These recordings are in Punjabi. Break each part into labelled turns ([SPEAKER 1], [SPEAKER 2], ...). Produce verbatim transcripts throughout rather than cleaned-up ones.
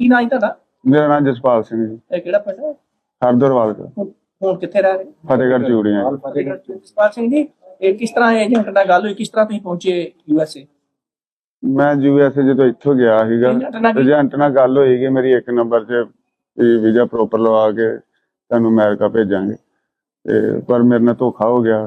[SPEAKER 1] ਨਾਂ ਜੀ ਤੁਹਾਡਾ?
[SPEAKER 2] ਮੇਰਾ ਨਾਮ ਜਸਪਾਲ ਸਿੰਘ ਜੀ।
[SPEAKER 1] ਇਹ ਕਿਹੜਾ ਪਿੰਡ ਹੈ?
[SPEAKER 2] ਹਰਦਰਵਾਲ ਦਾ।
[SPEAKER 1] ਹੁਣ ਹੁਣ ਕਿੱਥੇ ਰਹਿ ਰਹੇ?
[SPEAKER 2] ਫਤਿਹਗੜ੍ਹ ਚੂੜੀਆਂ।
[SPEAKER 1] ਫਤਿਹਗੜ੍ਹ ਚ। ਜਸਪਾਲ ਸਿੰਘ ਜੀ, ਇਹ ਕਿਸ ਤਰ੍ਹਾਂ ਏਜੰਟ ਨਾਲ ਗੱਲ ਹੋਈ, ਕਿਸ ਤਰ੍ਹਾਂ ਤੁਸੀਂ ਪਹੁੰਚੇ ਯੂ ਐਸ ਏ?
[SPEAKER 2] ਮੈਂ ਯੂ ਐਸ ਏ ਜਦੋਂ ਇੱਥੋਂ ਗਿਆ ਸੀਗਾ, ਏਜੰਟ ਨਾਲ ਗੱਲ ਹੋਈ ਕਿ ਮੇਰੀ ਇੱਕ ਨੰਬਰ 'ਚ ਵੀਜ਼ਾ ਪ੍ਰੋਪਰ ਲਵਾ ਕੇ ਤੁਹਾਨੂੰ ਅਮਰੀਕਾ ਭੇਜਾਂਗੇ, ਤੇ ਪਰ ਮੇਰੇ ਨਾਲ ਧੋਖਾ ਹੋ ਗਿਆ।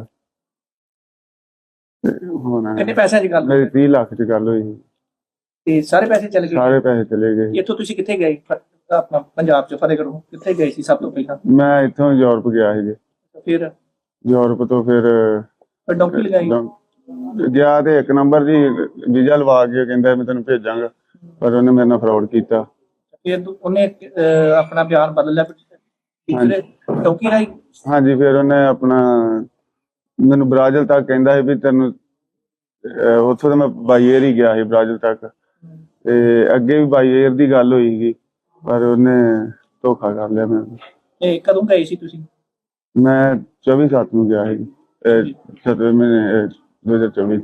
[SPEAKER 2] ਹੁਣ
[SPEAKER 1] ਕਿੰਨੇ ਪੈਸਿਆਂ ਦੀ ਗੱਲ
[SPEAKER 2] ਮੇਰੀ ਤੀਹ ਲੱਖ 'ਚ ਗੱਲ ਹੋਈ,
[SPEAKER 1] ਤੇ ਸਾਰੇ ਪੈਸੇ ਚਲੇ ਗਏ?
[SPEAKER 2] ਸਾਰੇ ਪੈਸੇ ਚਲੇ ਗਏ।
[SPEAKER 1] ਇੱਥੋਂ ਤੁਸੀਂ ਕਿੱਥੇ ਗਏ? ਆਪਣਾ ਪੰਜਾਬ 'ਚ ਫਤਿਹਗੜ੍ਹ ਕਿੱਥੇ ਗਏ ਸੀ ਸਭ ਤੋਂ ਪਹਿਲਾਂ?
[SPEAKER 2] ਮੈਂ ਇੱਥੋਂ ਯੂਰਪ ਗਿਆ ਸੀ ਜੀ।
[SPEAKER 1] ਫਿਰ
[SPEAKER 2] ਯੂਰਪ ਤੋਂ ਫਿਰ
[SPEAKER 1] ਡੌਂਕੀ ਲਗਾਈ
[SPEAKER 2] ਗਿਆ ਤੇ ਇੱਕ ਨੰਬਰ ਜੀ ਵੀਜ਼ਾ ਲਵਾ ਕੇ ਕਹਿੰਦਾ ਮੈਂ ਤੈਨੂੰ ਭੇਜਾਂਗਾ, ਪਰ ਉਹਨੇ ਮੇਰੇ ਨਾਲ ਫਰਾਡ ਕੀਤਾ।
[SPEAKER 1] ਫਿਰ ਉਹਨੇ ਆਪਣਾ ਬਿਆਨ ਬਦਲ ਲਿਆ ਡੌਂਕੀ ਰਾਈ?
[SPEAKER 2] ਹਾਂਜੀ, ਫਿਰ ਉਹਨੇ ਆਪਣਾ ਮੈਨੂੰ ਬ੍ਰਾਜ਼ਿਲ ਤੱਕ ਕਹਿੰਦਾ ਸੀ ਵੀ ਤੈਨੂੰ, ਉੱਥੋਂ ਤਾਂ ਮੈਂ ਬਾਈ ਏਅਰ ਹੀ ਗਿਆ ਸੀ ਬ੍ਰਾਜ਼ਿਲ ਤੱਕ, ਤੇ ਅੱਗੇ ਵੀ ਬਾਈ ਏਅਰ ਦੀ ਗੱਲ ਹੋਈ ਸੀ, ਪਰ ਉਹਨੇ ਧੋਖਾ ਕਰ ਲਿਆ ਮੈਨੂੰ।
[SPEAKER 1] ਇਹ ਕਦੋਂ ਗਏ ਸੀ ਤੁਸੀਂ?
[SPEAKER 2] ਮੈਂ ਚੌਵੀ ਸੱਤ ਨੂੰ ਗਿਆ ਸੀ, ਸੱਤਵੇਂ ਮਹੀਨੇ ਦੋ ਹਜ਼ਾਰ ਚੌਵੀ।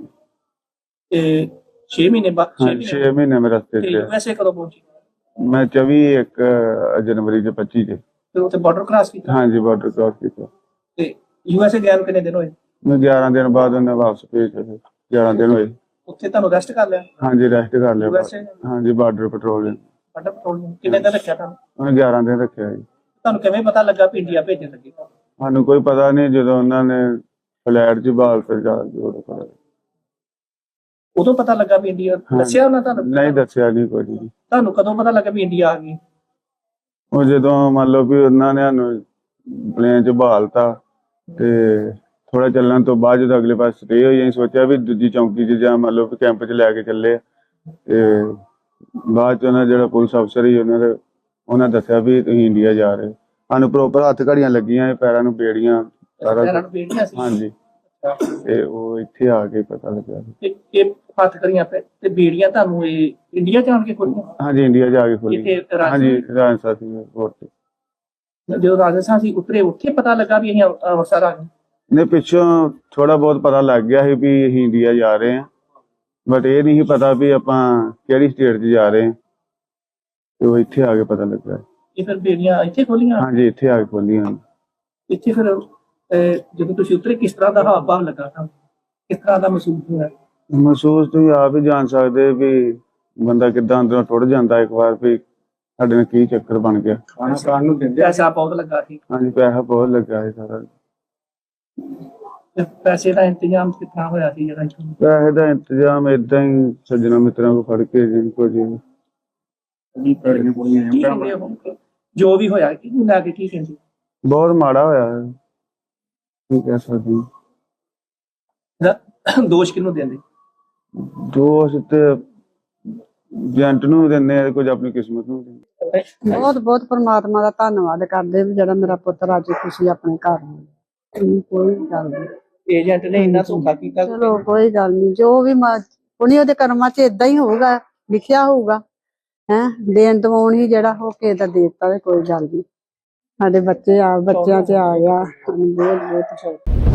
[SPEAKER 1] ਇਹ ਛੇ ਮਹੀਨੇ ਬਾਅਦ?
[SPEAKER 2] ਛੇ ਮਹੀਨੇ ਮੈਂ ਰਸਤੇ ਤੇ।
[SPEAKER 1] ਵੈਸੇ ਕਦੋਂ ਪਹੁੰਚੀ?
[SPEAKER 2] ਮੈਂ ਚੌਵੀ ਇੱਕ ਜਨਵਰੀ ਚ ਪੱਚੀ ਚ।
[SPEAKER 1] ਫਿਰ ਉੱਥੇ ਬਾਰਡਰ ਕ੍ਰਾਸ ਕੀਤਾ?
[SPEAKER 2] ਹਾਂਜੀ, ਬਾਰਡਰ ਕ੍ਰਾਸ ਕੀਤਾ।
[SPEAKER 1] ਤੇ ਯੂ ਐਸ ਏ ਗਿਆ ਨੂੰ ਕਿੰਨੇ ਦਿਨ ਹੋਏ?
[SPEAKER 2] ਮੈਂ ਗਿਆਰਾਂ ਦਿਨ ਬਾਅਦ ਉਹਨੇ ਵਾਪਸ ਭੇਜਿਆ। ਗਿਆਰਾਂ ਦਿਨ ਹੋਏ।
[SPEAKER 1] ਉੱਥੇ ਤੁਹਾਨੂੰ ਅਰੈਸਟ ਕਰ ਲਿਆ?
[SPEAKER 2] ਹਾਂਜੀ, ਅਰੈਸਟ ਕਰ ਲਿਆ। ਹਾਂਜੀ, ਬਾਰਡਰ ਪੈਟਰੋਲਿੰਗ।
[SPEAKER 1] ਬਾਰਡਰ ਪੈਟਰੋਲਿੰਗ ਕਿੰਨੇ ਦਿਨ ਰੱਖਿਆ ਤੁਹਾਨੂੰ?
[SPEAKER 2] ਉਹਨੇ ਗਿਆਰਾਂ ਦਿਨ ਰੱਖਿਆ ਜੀ।
[SPEAKER 1] ਤੁਹਾਨੂੰ ਕਿਵੇਂ ਪਤਾ ਲੱਗਾ ਵੀ ਇੰਡੀਆ ਭੇਜਣ ਲੱਗੇ?
[SPEAKER 2] ਸਾਨੂੰ ਕੋਈ ਪਤਾ ਨਹੀਂ, ਜਦੋਂ ਉਹਨਾਂ ਨੇ ਫਲੈਟ ਚ ਬਾਲ ਫਿਰ ਜਾ ਉਦੋਂ ਪਤਾ।
[SPEAKER 1] ਉਦੋਂ ਪਤਾ ਲੱਗਾ ਵੀ ਇੰਡੀਆ? ਦੱਸਿਆ ਉਹਨਾਂ ਤੁਹਾਨੂੰ?
[SPEAKER 2] ਨਹੀਂ ਦੱਸਿਆ ਨਹੀਂ ਕੁਝ।
[SPEAKER 1] ਤੁਹਾਨੂੰ ਕਦੋਂ ਪਤਾ ਲੱਗਾ ਵੀ ਇੰਡੀਆ ਆ ਗਈ?
[SPEAKER 2] ਉਹ ਜਦੋਂ ਮੰਨ ਲਓ ਵੀ ਉਹਨਾਂ ਨੇ ਸਾਨੂੰ ਪਲੇਨ ਚ ਬਹਾਲਤਾ, ਤੇ ਥੋੜਾ ਚੱਲਣ ਤੋਂ ਬਾਅਦ ਜਦੋਂ ਅਗਲੇ ਪਾਸੇ ਸਟੇ ਹੋਈ, ਅਸੀਂ ਸੋਚਿਆ ਵੀ ਦੂਜੀ ਚੌਂਕੀ ਚ ਜਾਂ ਮੰਨ ਲਓ ਵੀ ਕੈਂਪ ਚ ਲੈ ਕੇ ਚੱਲੇ, ਤੇ ਬਾਅਦ ਚ ਉਹਨਾਂ ਜਿਹੜਾ ਪੁਲਿਸ ਅਫਸਰ ਸੀ ਉਹਨਾਂ ਦੇ ਉਹਨਾਂ ਦੱਸਿਆ ਵੀ ਤੁਸੀਂ ਇੰਡੀਆ ਜਾ ਰਹੇ। ਸਾਨੂੰ ਪ੍ਰੋਪਰ ਹੱਥ ਘੜੀਆਂ ਲੱਗੀਆਂ, ਪੈਰਾਂ ਨੂੰ ਬੇੜੀਆਂ, ਸਾਰਾ। ਹਾਂਜੀ, ਤੇ ਉਹ ਇੱਥੇ ਆ ਕੇ ਪਤਾ ਲੱਗਾ।
[SPEAKER 1] ਇਹ ਹੱਥ ਘੜੀਆਂ ਤੇ ਬੇੜੀਆਂ ਤੁਹਾਨੂੰ ਇਹ ਇੰਡੀਆ ਜਾਣ ਕੇ ਖੋਲੀਆਂ?
[SPEAKER 2] ਹਾਂਜੀ, ਇੰਡੀਆ ਜਾ ਕੇ ਖੋਲੀ। ਹਾਂਜੀ, ਰਾਜਸਥਾਨ ਸੀ 에ਅਰਪੋਰਟ ਤੇ।
[SPEAKER 1] ਜਦੋਂ ਰਾਜਸਥਾਨ ਸੀ ਉਤਰੇ, ਉੱਥੇ ਪਤਾ ਲੱਗਾ ਵੀ ਅਸੀਂ ਅੰਮ੍ਰਿਤਸਰ ਆ ਗਏ?
[SPEAKER 2] ਨਹੀਂ, ਪਿੱਛੋਂ ਥੋੜਾ ਬਹੁਤ ਪਤਾ ਲੱਗ ਗਿਆ ਸੀ ਵੀ ਅਸੀਂ ਇੰਡੀਆ ਜਾ ਰਹੇ ਹਾਂ, ਬਟ ਇਹ ਨਹੀਂ ਪਤਾ ਵੀ ਆਪਾਂ ਕਿਹੜੀ ਸਟੇਟ 'ਚ ਜਾ ਰਹੇ ਹਾਂ, ਤੇ ਉਹ ਇੱਥੇ ਆ ਕੇ ਪਤਾ ਲੱਗਾ।
[SPEAKER 1] ਇਹ ਫਿਰ ਬੇੜੀਆਂ ਇੱਥੇ ਖੋਲੀਆਂ?
[SPEAKER 2] ਹਾਂਜੀ, ਇੱਥੇ ਆ ਕੇ ਖੋਲੀਆਂ।
[SPEAKER 1] ਇੱਥੇ ਫਿਰ ਜਦੋਂ ਤੁਸੀਂ ਉਤਰੇ ਕਿਸ ਤਰ੍ਹਾਂ ਦਾ ਹਾਵ ਭਾਵ ਲੱਗਾ ਤੁਹਾਨੂੰ? ਕਿਸ ਤਰ੍ਹਾਂ ਦਾ ਮਹਿਸੂਸ ਹੋਇਆ?
[SPEAKER 2] ਮਹਿਸੂਸ ਤੁਸੀਂ ਆਪ ਹੀ ਜਾਣ ਸਕਦੇ ਵੀ ਬੰਦਾ ਕਿੱਦਾਂ ਅੰਦਰੋਂ ਟੁੱਟ ਜਾਂਦਾ ਇੱਕ ਵਾਰ, ਵੀ ਸਾਡੇ ਨਾਲ ਕੀ ਚੱਕਰ ਬਣ ਗਿਆ।
[SPEAKER 1] ਖਾਣਾ ਖਾਣ ਨੂੰ ਦਿੰਦੇ? ਪੈਸਾ ਬਹੁਤ ਲੱਗਾ ਸੀ?
[SPEAKER 2] ਹਾਂਜੀ, ਪੈਸਾ ਬਹੁਤ ਲੱਗਾ ਸੀ ਸਾਰਾ।
[SPEAKER 1] ਪੈਸੇ ਦਾ ਇੰਤਜ਼ਾਮ ਕਿੱਥਾਂ ਹੋਇਆ ਸੀ? ਜਿਹੜਾ
[SPEAKER 2] ਪੈਸੇ ਦਾ ਇੰਤਜ਼ਾਮ ਏਦਾਂ ਹੀ ਸੱਜਣਾ ਮਿੱਤਰਾਂ ਕੋਲ ਫੜ ਕੇ ਜਿੰਕੋ ਜੀ
[SPEAKER 1] ਜੋ ਵੀ ਹੋਇਆ ਕਿਹਨੂੰ ਲੈ ਕੇ ਕੀ ਕਹਿੰਦੇ?
[SPEAKER 2] ਬਹੁਤ ਮਾੜਾ ਹੋਇਆ, ਕੀ ਕਹਿ ਸਕਦੇ।
[SPEAKER 1] ਦੋਸ਼ ਕਿਹਨੂੰ ਦਿੰਦੇ?
[SPEAKER 2] ਦੋਸ਼ ਤੇ ਏਜੰਟ ਨੂੰ ਵੀ ਦਿੰਦੇ ਆ, ਕੁਝ ਆਪਣੀ ਕਿਸਮਤ ਨੂੰ ਦਿੰਦੇ।
[SPEAKER 3] ਬਹੁਤ ਬਹੁਤ ਪਰਮਾਤਮਾ ਦਾ ਧੰਨਵਾਦ ਕਰਦੇ ਵੀ ਜਿਹੜਾ ਮੇਰਾ ਪੁੱਤਰ ਅੱਜ ਖੁਸ਼ੀ ਆਪਣੇ ਘਰ ਆ। ਕੋਈ ਗੱਲ ਨਹੀਂ,
[SPEAKER 1] ਏਜੰਟ ਨੇ ਇੰਨਾ ਧੋਖਾ ਕੀਤਾ।
[SPEAKER 3] ਚਲੋ ਕੋਈ ਗੱਲ ਨਹੀਂ, ਜੋ ਵੀ ਉਹਨੇ ਉਹਦੇ ਕਰਮਾਂ 'ਚ ਏਦਾਂ ਹੀ ਹੋਊਗਾ, ਲਿਖਿਆ ਹੋਊਗਾ। ਹੈਂ, ਦੇਣ ਦਵਾਉਣ ਹੀ ਜਿਹੜਾ ਹੋ ਕੇ ਤਾਂ ਦੇ ਦਿੱਤਾ, ਕੋਈ ਗੱਲ ਨਹੀਂ। ਸਾਡੇ ਬੱਚੇ ਆ ਬੱਚਿਆਂ 'ਚ ਆ ਗਿਆ, ਸਾਨੂੰ ਬਹੁਤ ਬਹੁਤ